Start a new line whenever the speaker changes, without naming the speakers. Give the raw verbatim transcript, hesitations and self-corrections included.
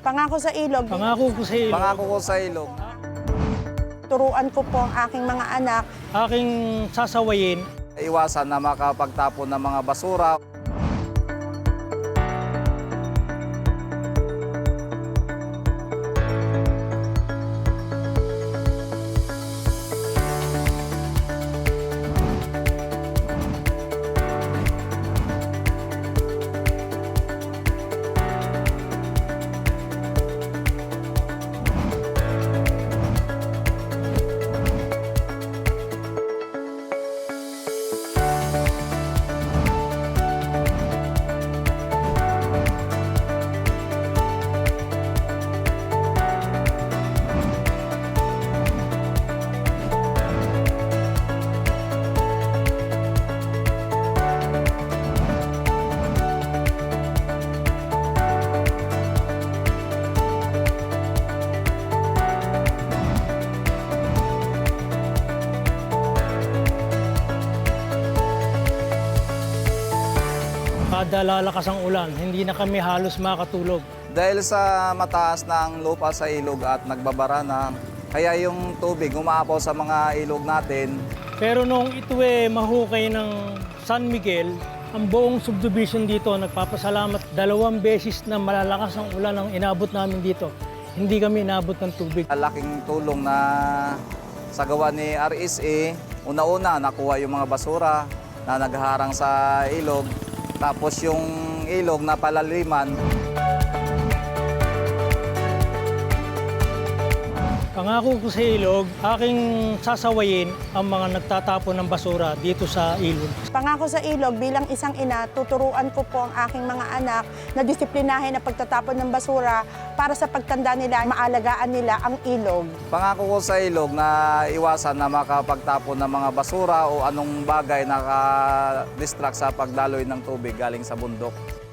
Pangako sa ilog.
Pangako ko sa ilog.
Pangako ko sa ilog.
Turuan ko po ang aking mga anak.
Aking sasawayin.
Iwasan na makapagtapon ng mga basura.
Kada lalakas ang ulan, hindi na kami halos makatulog.
Dahil sa mataas na ang lupa sa ilog at nagbabara na, kaya yung tubig umaapaw sa mga ilog natin.
Pero nung ito eh mahukay ng San Miguel, ang buong subdivision dito nagpapasalamat. Dalawang beses na malalakas ang ulan ang inabot namin dito. Hindi kami inabot ng tubig.
Laking tulong na sa gawa ni R S A. Una-una, nakuha yung mga basura na nagharang sa ilog. Tapos yung ilog na palaliman.
Pangako ko sa ilog, aking sasawayin ang mga nagtatapon ng basura dito sa ilog.
Pangako sa ilog, bilang isang ina, tuturuan ko po ang aking mga anak na disiplinahin ang pagtatapon ng basura para sa pagtanda nila, maalagaan nila ang ilog.
Pangako ko sa ilog na iwasan na makapagtapon ng mga basura o anong bagay na ka-distract sa pagdaloy ng tubig galing sa bundok.